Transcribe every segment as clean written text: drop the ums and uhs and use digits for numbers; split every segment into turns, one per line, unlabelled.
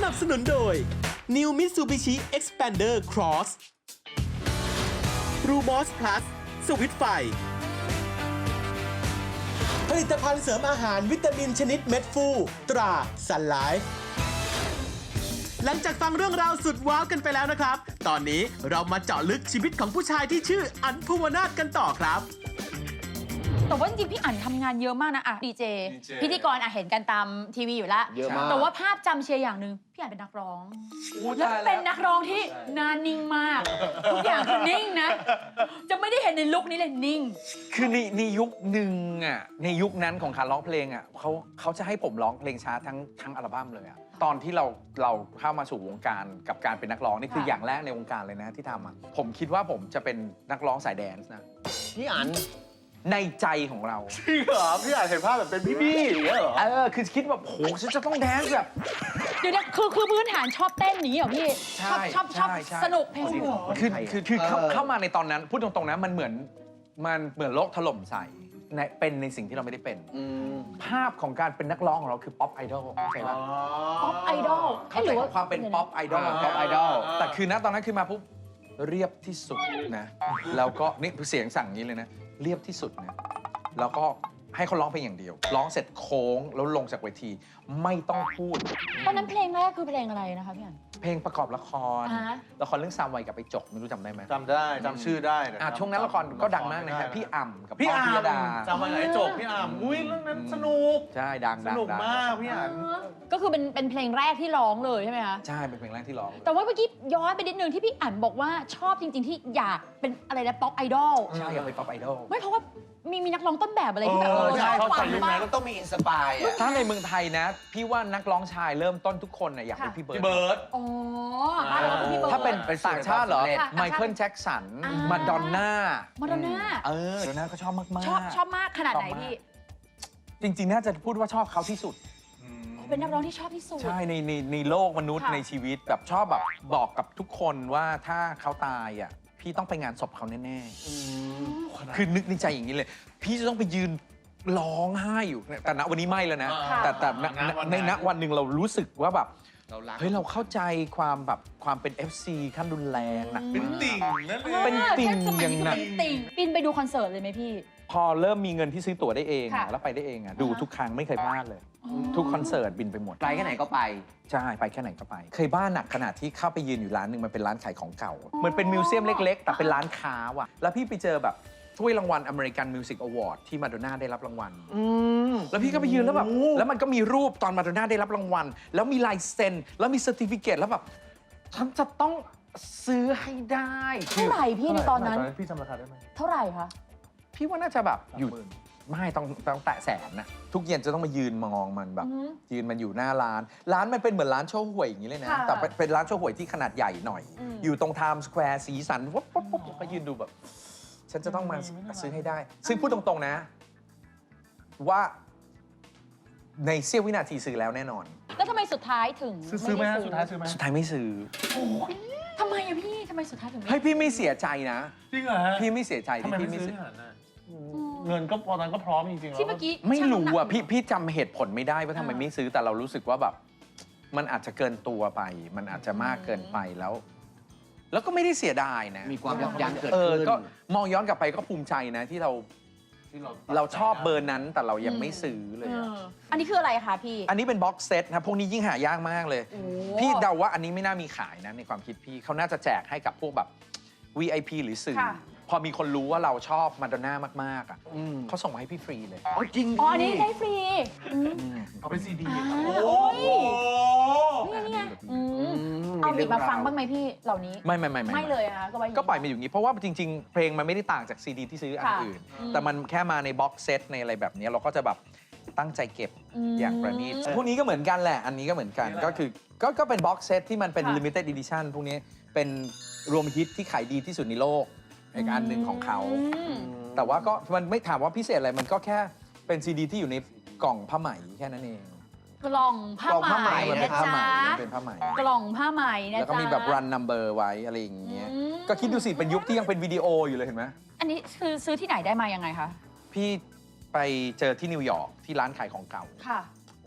นับสนุนโดย New Mitsubishi Xpander Cross Rumos Plus สวิตช์ไฟผลิตภัณฑ์เสริมอาหารวิตามินชนิดเม็ดฟูตรา Sun Life หลังจากฟังเรื่องราวสุดว้าวกันไปแล้วนะครับ ตอนนี้เรามาเจาะลึกชีวิตของผู้ชายที่ชื่ออั๋นภูวนาถกันต่อครับ
แต่ว่าจริงๆพี่อั๋นทำงานเยอะมากนะอะดีเจพิธีกรเห็นกันตามทีวีอยู่แล้ว
เยอะมาก
แต่ว่าภาพจำเชียร์อย่างหนึ่งพี่อั๋นเป็นนักร้องแล้วเป็นนักร้องที่หนานิ่งมากทุกอย่างคือนิ่งนะจะไม่ได้เห็นในลุคนี้เลยนิ่ง
คือในยุคหนึ่งอ่ะในยุคนั้นของการร้องเพลงอ่ะเขาจะให้ผมร้องเพลงช้าทั้งอัลบั้มเลยอ่ะตอนที่เราเข้ามาสู่วงการกับการเป็นนักร้องนี่คือ
ค่ะ
อย่างแรกในวงการเลยนะที่ทำอ่ะผมคิดว่าผมจะเป็นนักร้องสายแดนซ์นะ
พี่อัน
ในใจของเรา
จริงเหรอพี่อันเห็นภาพแบบเป็นพี่อย่างเงี้ยเหรอ
คือคิดแบบโหฉันจะต้องแดนซ์แบบ
เดี๋ยวนะคือพื้นฐานชอบเต้นอย่างนี้เหรอพี่
ใช่
ชอบ
ใช่ใช่
สนุกเพลงสนุก
คือเข้ามาในตอนนั้นพูดตรงๆนะมันเหมือนโลกถล่มใส่เป็นในสิ่งที่เราไม่ได้เป็น ภาพของการเป็นนักร้องของเราคือป๊อปไอดอลเข้าใจป่ะ
ป๊อปไอดอล
เข้าใจความเป็นป๊อปไอดอล
Pop Idol
แต่คือณตอนนั้นคือมาปุ๊บเรียบที่สุดนะแล้วก็นี่เสียงสั่งนี้เลยนะเรียบที่สุดนะแล้วก็ให้เขาร้องเพลงอย่างเดียวร้องเสร็จโค้งแล้วลงจากเวทีไม่ต้องพูด
ตอนนั้นเพลงแรกคือเพลงอะไรนะคะพี่อั๋น
เพลงประกอบละคร
อ่าฮะ
ละครเรื่องซามไวกับไปจกไม่รู้จำได้ไหม
จำได้จำชื่อได้แต่
ช่วงนั้นละครก็ดังมากนะฮะพี่อ่ำกับ
พี่
ป้อม
อั
พิยดา
จำมาไหนจบพี่อัมอุ้ยเรื่องนั้นสนุก
ใช่ดัง
สนุกมากพี่อัน
ก็คือเป็นเพลงแรกที่ร้องเลยใช่ไหมคะ
ใช่เป็นเพลงแรกที่ร้องเลย
แต่ว่าเมื่อกี้ย้อนไปนิดนึงที่พี่อั๋นบอกว่าชอบจริง ๆ ที่อยากเป็นอะไรนะป๊อปไอดอล
ใช่อยากเป็นป๊อปไอดอล
ไม่เพราะว่ามีนักร้องต้นแบบอะไรที่แบบ
ใช่
ชอบ
เขา
ฟั
ใส่
ง
ยุค
มา
นั้
ก
นก็ต้องมีอินสปายอ่ะ
ถ้าในเมืองไทยนะ พี่ว่านักร้องชายเริ่มต้นทุกคนน่ะอยากเป็นพี่เบิร์ด
พี่เบิร์ด
อ๋อบ้านเราก็คือพี่เบิร์ด
ถ้าเป็นต่างชาติเหรอ
ค่ะ
ไมเคิลแจ็คสัน
อ่า
มาดอนน่า
มาดอนน่า
มาดอนน่าก็ชอบมาก
ชอบมากขนาดไหนพี่
จริงๆ น่าจะพูดว่าชอบเขาที่สุด
เป็นนักร้องที่ชอบที่สุด
ใช่ในโลกมนุษย์
ค่ะ
ในชีวิตแบบชอบแบบบอกกับทุกคนว่าถ้าเขาตายอ่ะพี่ต้องไปงานศพเขาแน่ๆคือนึกในใจอย่างนี้เลย พี่จะต้องไปยืนร้องไห้อยู่แต่ณวันนี้ไม่แล้วนะ
ค่ะ
แต่ในณวันหนึ่งเรารู้สึกว่าแบบ
เรารัก
เฮ้ยเราเข้าใจความเป็น FC ขั้นรุนแรงนะ
เป็นติ่งนั่นเอง
เป็นติ่ง
แค่สมั
อย่างหนัก
เป็นติ่งบินไปดูคอนเสิร์ตเลยไหมพี่
พอเริ่มมีเงินที่ซื้อตั๋วได้เอง
ค่ะ
แล้วไปได้เองดูทุกครั้งไม่เคยพลาดเลย ทุกคอนเสิร์ตบินไปหมด
ไปแค่ไหนก็ไป
ใช่ไปแค่ไหนก็ไป เคยบ้าหนักขนาดที่เข้าไปยืนอยู่ร้านหนึ่งมันเป็นร้านขายของเก่าเหมือนเป็นมิวเซียมเล็กๆ แต่เป็นร้านค้าว่ะแล้วพี่ไปเจอแบบถ้วยรางวัล American Music Award ที่มาโดน่าได้รับรางวัลแล้วพี่ก็ไปยืนแล้วแบบแล้วมันก็มีรูปตอนมาโดน่าได้รับรางวัล แล้วมีลายเซ็นแล้วมีเซอร์ติฟิเคตแล้วแบบฉันจะต้องซื้อให้ได้
เท่าไหร่พี่ในตอนนั้น
พี่จำราคาได้ไหม
เท่าไหร่คะ
พี่ว่าน่าจะแบบอยู่ไม่ต้องแตะแสนนะทุกเย็นจะต้องมายืนมองมันแบบ ยืนมันอยู่หน้าร้านมันเป็นเหมือนร้านโชว์หวยอย่างนี้เลยนะ
ค่ะ
แต่เป็นร้านโชว์หวยที่ขนาดใหญ่หน่อย อยู่ตรงไทม์สแควร์สีสันวับก็ยืนดูแบบ ฉันจะต้องมาซื้อให้ได้ ซึ่งพูดตรงๆนะ ว่าในเสี้ยววินาทีซื้อแล้วแน่นอน
แล้วทำไมสุดท้ายถึง
ซื้อไหม
ด้
ฮะสุดท้ายซื้อไหม
สุดท้ายไม่ซื้อ
ทำไมอะพี่ทำไมสุดท้ายถึงไม่
เฮ้ยพี่ไม่เสียใจนะ
จริงเหรอฮะ
พี่ไม่เสียใจ
ทำไม
ที่
ไม่
พี่ไม่
ซื้อ
ซื้อ
ขนาดนั้นเงินก็ตอนนั้นก็พร้อมจริงๆแล้ว
ที่เมื่อกี้
ไม่รู้อ่ะ
ช่างน้ำหนัก
พี่จำเหตุผลไม่ได้ว่าทำไมไม่ซื้อแต่เรารู้สึกว่าแบบ มันอาจจะเกินตัวไป มันอาจจะมากเกินไปแล้ว แล้วก็ไม่ได้เสียดายนะ
มีความยับยั้งเกิด
เออ
ขึ้น
ก็มองย้อนกลับไปก็ภูมิใจนะที่เราชอบเบอร์นั้นแต่เรายังไม่ซื้อเลยอะ
อันนี้คืออะไรคะพี่
อันนี้เป็นบ็อกเซตนะพวกนี้ยิ่งหายากมากเลย
โอ้
พี่เดาว่าอันนี้ไม่น่ามีขายนะในความคิดพี่เขาน่าจะแจกให้กับพวกแบบ VIP หรือสื่อ
ค่ะ
พอมีคนรู้ว่าเราชอบมาดอนน่ามากๆอ่ะเขาส่งมาให้พี่ฟรีเลย
โอ้ยจริง
อ๋ออันนี้ได้ฟรี
เอาเป็นซีดี
อ่า
โอ้
โอ้ย นี่ไงเอาหยิบมาฟังบ้างไหมพี่เหล่านี้
ไม่
เลยนะคะก็ไว้างนี้
ก็ปล่อยมาอยู่อย่างนี้เพราะว่าจริงๆ เพลงมันไม่ได้ต่างจากซีดีที่ซื้ออัน
ค่ะ
อื่น แต่มันแค่มาในบ็อกเซตในอะไรแบบนี้เราก็จะแบบตั้งใจเก็บอย่างประณีตพวกนี้ก็เหมือนกันแหละ อันนี้ก็เหมือนกันก็คือก็เป็นบ็อกเซตที่มันเป็น
ค่ะ
limited edition พวกนี้เป็นรวมฮิตที่ขายดีที่สุดในโลกอีกอันหนึ่งของเขา แต่ว่าก็มันไม่ถามว่าพิเศษอะไรมันก็แค่เป็นซีดีที่อยู่ในกล่องผ้าไหมแค่นั้นเอง
กล่องผ้าไหม
มันเป็น
นะ
ผ้าไหม
จ๊ะ
มันเป็นผ้าไหม
กล่องผ้าไหมนะจ๊ะ
แล้วก็มีแบบ run number ไว้อะไรอย่างเงี้ย
อืม
ก็คิดดูสิเป็นยุคที่ยังเป็นวิดีโออยู่เลยเห็นไหม
อันนี้คือซื้อที่ไหนได้มายังไงคะ
พี่ไปเจอที่นิวยอร์กที่ร้านขายของเก่า
ค่ะ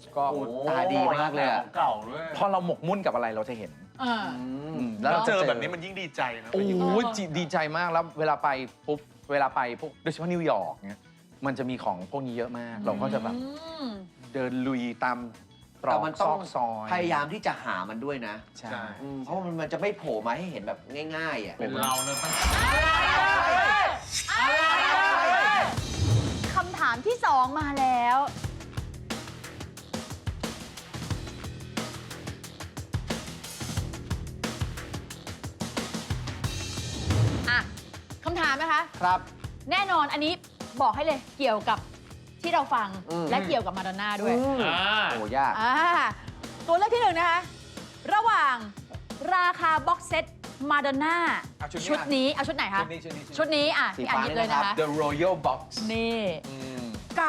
ก็
ตาดีมากเลยอะ
เก่าด้วย
พอเราหมกมุ่นกับอะไรเราจะเห็น
แล้วเจอแบบนี้มันยิ่งดีใจนะ
โอ้ยดีใจมากแล้วเวลาไปปุ๊บเวลาไปพวกโดยเฉพาะนิวยอร์กเนี้ยมันจะมีของพวกนี้เยอะมาก เราก็จะแบบเดินลุยตามตร
แต่
อก
มัน
ซ
ต้อ
อง กซอย
พยายามที่จะหามันด้วยนะ
ใช่
เพราะมันจะไม่โผล่มาให้เห็นแบบง่ายๆอ่ะ
เป็นเราเนี่ยมัน
คำถามที่ 2 มาแล้ว อ่ะคำถามนะคะ
ครับ
แน่นอนอันนี้บอกให้เลยเกี่ยวกับที่เราฟัง และเกี่ยวกับมาดอนน่าด้วย
โอ้ยาก
ตัวเลือกที่ 1 นะคะ ระหว่างราคาบ็อกเซตมาดอนน่า
เอาชุ
ชุ
ด
ด
นี้
นี้เอาชุดไหนคะ ชุดนี้อ่ะ
สี
พี่อ่าน
ฟ้า
หยิบเลยนะคะ
The Royal Box
นี่
อืม
กับ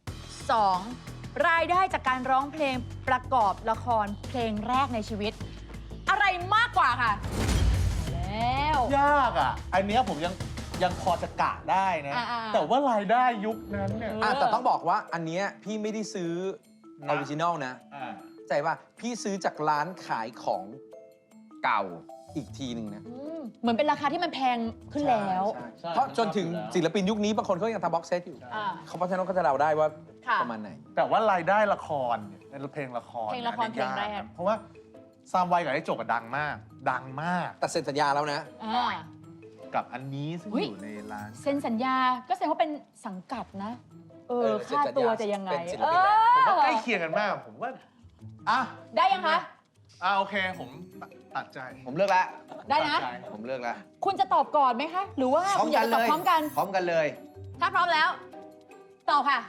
2 รายได้จากการร้องเพลงประกอบละครเพลงแรกในชีวิต อะไรมากกว่าค่ะ แล้ว
ยากอ่ะ อันเนี้ยผมยังพอจะกะได้นะ
อ่าๆ
แต่ว่ารายได้ยุคนั้นเนี่ย
แต่ต้องบอกว่าอันเนี้ยพี่ไม่ได้ซื้ออ
นะ
อริจินอลนะ
อ่า
ใจว่าพี่ซื้อจากร้านขายของเก่าอีกทีหนึ่งนะ
เหมือนเป็นราคาที่มันแพงขึ้นแล้ว
ใช่
เพราะจนถึงศิลปินยุคนี้บางคนเขายังทำบ็อกเซตอยู่
อ่า
เขาเพราะฉะนั้นก็จะเดาได้ว่า
ค่ะ
ประมาณไหน
แต่ว่ารายได้ละครเนี่ยในเพลงละคร
เพลงละคร
นี่ย
เพลงแรก
เพราะว่าซามไวกับไอ้โจกอะดังมาก ดังมาก
แต่เซ็นสัญญาแล้วนะ
อ่า
กับอันนี้ซึ่ง
อุ๊ย
อยู่ในร้าน
เซ็นสัญญาก็แสดงว่าเป็นสังกัดนะ
เซ็น
ค่า
สัญญา
ตัวจะยังไง
เป็นศิลปินแล้ว
ผมว่าใกล้เคียงกันมาก ผมว่าอ่ะ
ได้ยังคะ
โอเคผมตัดใจ
ผมเลือกแล้ว
ได้นะ
ตัใจ
ผมเลือกแล้ว
คุณจะตอบก่อนไหมคะ หรือว่า
พร้อ
คุ
ม
ณอยา
กั
ก
น
จะต
เล
อบ
ย
พร้อมกัน
พร้อมกันเลย
ถ้าพร้อมแล้ว ตอบค่ะ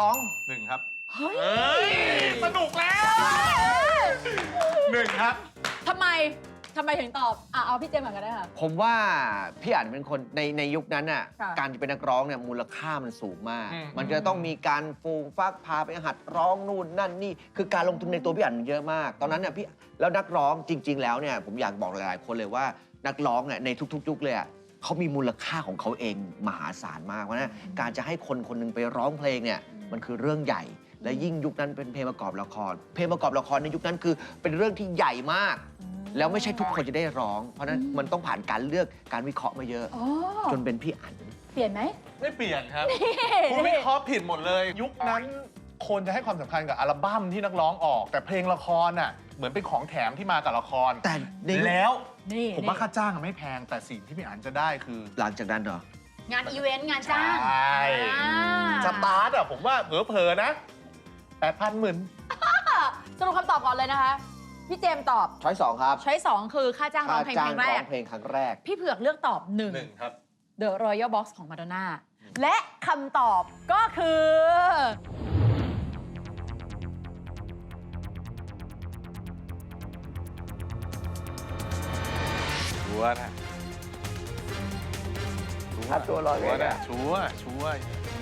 2
หนึ่งครับ
เฮ้ย
เอ้ยสนุกแล้วหนึ่งครับ
ทำไมถึงตอบเอาพี่เจมส์ก่อนก็ได้ค่ะ
ผมว่าพี่อาจเป็นคนในยุคนั้นน่ะ
ค่ะ
การเป็นนักร้องเนี่ยมูลค่ามันสูงมาก
อืม
มันจะต้องมีการฟูมฟักพาไปหัดร้องนู่นนั่นนี่ คือการลงทุนในตัวพี่อันเยอะมาก ตอนนั้นเนี่ยพี่แล้วนักร้องจริง ๆ แล้วเนี่ยผมอยากบอกหลายๆคนเลยว่านักร้องเนี่ยในทุกๆยุคเลยอะเขามีมูลค่าของเขาเองมหาศาลมากเพราะฉะนั้นการจะให้คนคนหนึงไปร้องเพลงเนี่ยมันคือเรื่องใหญ่ และยิ่งยุคนั้นเป็นเพลงประกอบละคร เพลงประกอบละครในยุคนั้นคือเป็นเรื่องที่ใหญ่มาก แล้วไม่ใช่ทุกคนจะได้ร้อง เพราะฉะนั้นมันต้องผ่านการเลือกการวิเคราะห์มาเยอะ
อ๋อ
จนเป็นพี่อัน
เปลี่ยนไหม
ไม่เปลี่ยนครับ คุณวิเคราะห์ผิดหมดเลย ยุคนั้นคนจะให้ความสำคัญกับอัลบั้มที่นักร้องออก แต่เพลงละครน่ะเหมือนเป็นของแถมที่มากับละคร
แต่ในยุค
แล้ว
นี่
ผมว่าค่าจ้างอะไม่แพง แต่สิ่งที่พี่อันจะได้คือ
หลังจากนั้นเหรอ
งานอีเวนต์งานจ้าง
ใช่
อ่า
สตาร์ทอะผมว่าเผลอๆนะ8,000หมื่น
สรุปคำตอบก่อนเลยนะคะ พี่เจมส์ตอบ
ช้อย2ครับ
ช้อย2คือค่าจ้างร้องเพลง
จ้า
เพ
ง
ลงแร
ร้อก งเพลงครั้งแรก
พี่เผือกเลือกตอบ
หนึ่งครับ
1 The Royal Box ของมาดอนน่าและคำตอบก็คือ
ชัวร์นะ
ถ้าตัวลอย
ชัวร์
เนี่
นะ
ย
ชัวร์ชัวร์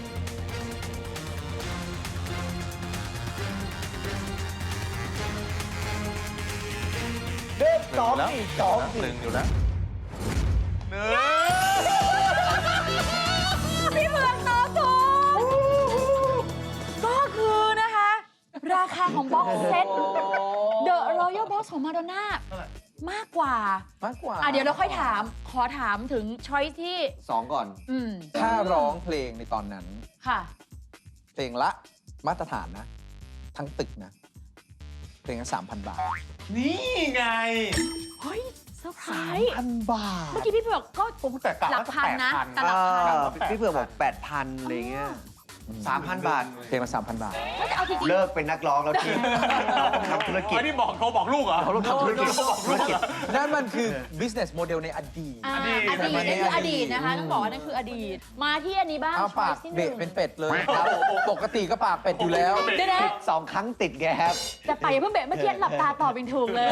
เด็ก
ห
2
นึ่ง
อีก
แล้ว
2
หนึ่งอยู่แล้วหนึ่ง
พี่เผือกตอบถูกก็คือนะคะ ราคาของบ็อกเซต The Royal Box ของมาดอนน่ามากกว่า
มากกว่า
เดี๋ยวเราค่อยถาม ขอถามถึงช้อยที่
2 ก่อน
ถ้าร้องเพลงในตอนนั้น
ค่ะ
เพลงละมาตรฐานนะ ทั้งตึกนะ เพลงละ 3,000 บาท
นี่ไง
เฮ้ยเซอร์ไพรส์
3,000 บาท
เมื่อกี้พี่เผือกก็
ผมแต่กะ
หลั
ว่าก
พันนะ
8,000
แต่หลักพัน
พี่เผือกบอก 8,000อะไรเงี้ย 3,000 บาท
เพลงละ 3,000 บาท
ก็จะเอาจริง
เลิกเป็นนักร้องแล้วทีทำธุรกิจ
อ๋อนี่บอกโทรบอกลูกเหรอ
เขาต้องทำธุรกิจ
นั่นมันคือ business model ในอดีต
ๆอ
ดี
ดีต
ต
นั่นคืออดีตนะคะ ต้องบอกว่านั่นคืออดีต มาที่อันนี้บ้าง
เอา
ช้อ
ปาย ก
ที่ห
เบะ
นึ่ง
เป็นเป็ดเลยครับ ปกติก็ปากเป็ดอยู่แล้ว
เดี๋ยวนะ
2 ครั้งติดแกครับ
แต่ไปอย่าเพิ่งเบะเมื่อกี้หลับตาตอบเป็นถูกเลย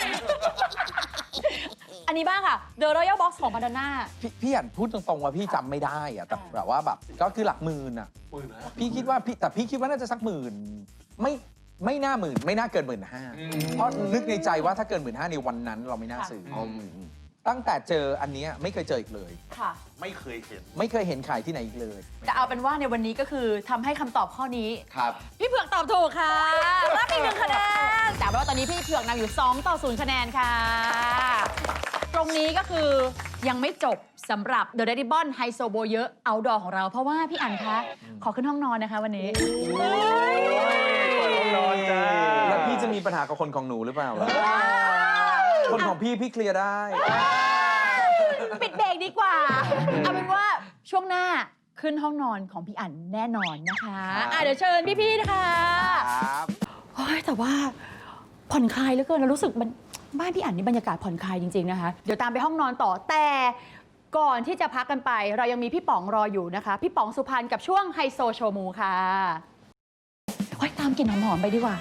อันนี้บ้างค่ะ The Royal Box ของมาดอนน่า
พี่อ่านพูดตรงๆว่าพี่จำไม่ได้อะแต่แบบว่าแบบก็คือหลักหมื่นอะพี่คิดว่าพี่คิดว่าน่าจะสักหมื่นไม่น่าหมื่นไม่น่าเกิน15,000เพราะนึกในใจว่าถ้าเกิน15,000ในวันนั้นเราไม่น่าซื้ออตั้งแต่เจออันเนี้ยไม่เคยเจออีกเลย
ค่ะ
ไม่เคยเห็น
ไม่เคยเห็นขายที่ไหนอีกเลย
แต่เอาเป็นว่าในวันนี้ก็คือทำให้คำตอบข้อนี้
ครับ
พี่เผือกตอบถูกค่ะ รับอีก1 คะแนน แต่ว่าตอนนี้พี่เผือกนำอยู่2-0 คะแนนค่ะ ตรงนี้ก็คือยังไม่จบสำหรับ The Red Ribbon ไฮโซโบเยอะเอาดอของเรา เพราะว่าพี่อั๋นคะ ขอขึ้นห้องนอนนะคะวันนี้
นอนจ้า
แล้วพี่จะมีปัญหากับคนของหนูหรือเปล่าล่ะคนของพี่เคลียร์ได้
ปิดเบรกดีกว่า เอาเป็นว่าช่วงหน้าขึ้นห้องนอนของพี่อั๋นแน่นอนนะคะเดี๋ยวเชิญพี่ๆนะคะ
ครับ
โอ้ยแต่ว่าผ่อนคลายเหลือเกินเรารู้สึกมันบ้านพี่อั๋นนี่บรรยากาศผ่อนคลายจริง ๆ นะคะ เดี๋ยวตามไปห้องนอนต่อแต่ก่อนที่จะพักกันไป เรายังมีพี่ป๋องรออยู่นะคะ พี่ป๋องสุพรรณกับช่วงไฮโซโชว์มูค่ะโอ้ยตามกลิ่นหอมๆไปดีกว่า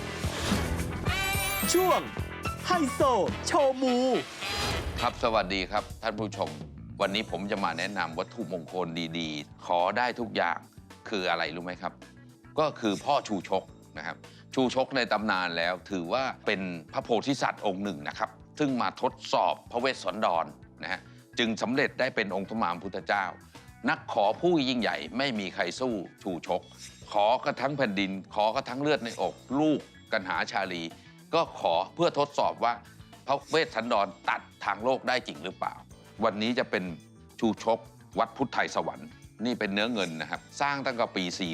ช่วงไฮโซโชว์มู
ครับสวัสดีครับท่านผู้ชม วันนี้ผมจะมาแนะนำวัตถุมงคลดีๆ ขอได้ทุกอย่างคืออะไรรู้ไหมครับ ก็คือพ่อชูชกนะครับ ชูชกในตำนานแล้วถือว่าเป็นพระโพธิสัตว์องค์หนึ่งนะครับ ซึ่งมาทดสอบพระเวสสันดรนะฮะจึงสำเร็จได้เป็นองค์พระมหาพุทธเจ้า นักขอผู้ยิ่งใหญ่ไม่มีใครสู้ชูชก ขอกระทั้งแผ่นดิน ขอกระทั้งเลือดในอกลูกกันหาชาลี ก็ขอเพื่อทดสอบว่าพระเวสสันดรตัดทางโลกได้จริงหรือเปล่า วันนี้จะเป็นชูชกวัดพุทธไทยสวรรค์นี่เป็นเนื้อเงินนะครับ สร้างตั้งแต่ปี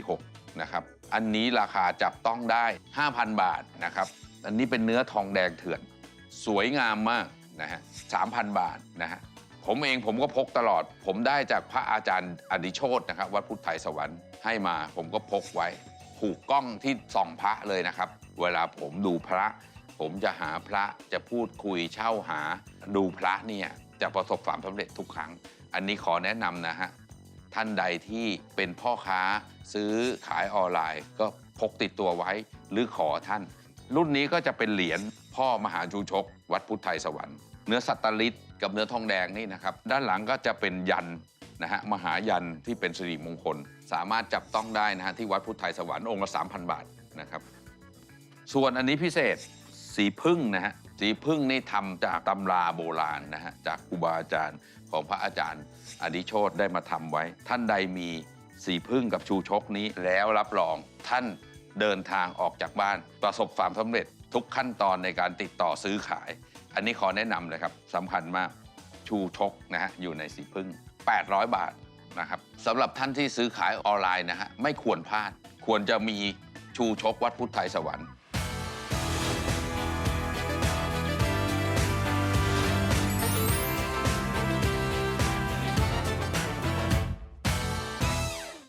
46 นะครับ อันนี้ราคาจับต้องได้ 5,000 บาทนะครับ อันนี้เป็นเนื้อทองแดงเถื่อน สวยงามมากนะฮะ 3,000 บาทนะฮะ ผมก็พกตลอด ผมได้จากพระอาจารย์อดิโชตนะครับวัดพุทธไทยสวรรค์ให้มา ผมก็พกไว้ผูกกล้องที่ส่องพระเลยนะครับ เวลาผมดูพระ ผมจะหาพระจะพูดคุยเช่าหาดูพระเนี่ยจะประสบความสำเร็จทุกครั้ง อันนี้ขอแนะนำนะฮะ ท่านใดที่เป็นพ่อค้าซื้อขายออนไลน์ ก็พกติดตัวไว้หรือขอท่าน รุ่นนี้ก็จะเป็นเหรียญพ่อมหาชูชก วัดพุทธไทยสวรรค์เนื้อสัตตลิศกับเนื้อทองแดงนี่นะครับ ด้านหลังก็จะเป็นยันนะฮะมหายันที่เป็นสิริมงคล สามารถจับต้องได้นะฮะที่วัดพุทธไทยสวรรค์องค์ละ 3,000 บาทนะครับ ส่วนอันนี้พิเศษสีพึ่งนะฮะสีพึ่งนี่ทำจากตำราโบราณนะฮะจากครูบาอาจารย์ของพระอาจารย์อดิโชตได้มาทำไว้ ท่านใดมีสีพึ่งกับชูชกนี้แล้วรับรองท่านเดินทางออกจากบ้านประสบความสำเร็จทุกขั้นตอนในการติดต่อซื้อขาย อันนี้ขอแนะนำเลยครับสำคัญมากชูชกนะฮะอยู่ในสีพึ่ง 800 บาทนะครับสำหรับท่านที่ซื้อขายออนไลน์นะฮะไม่ควรพลาดควรจะมีชูชกวัดพุทธไทยสวรรค์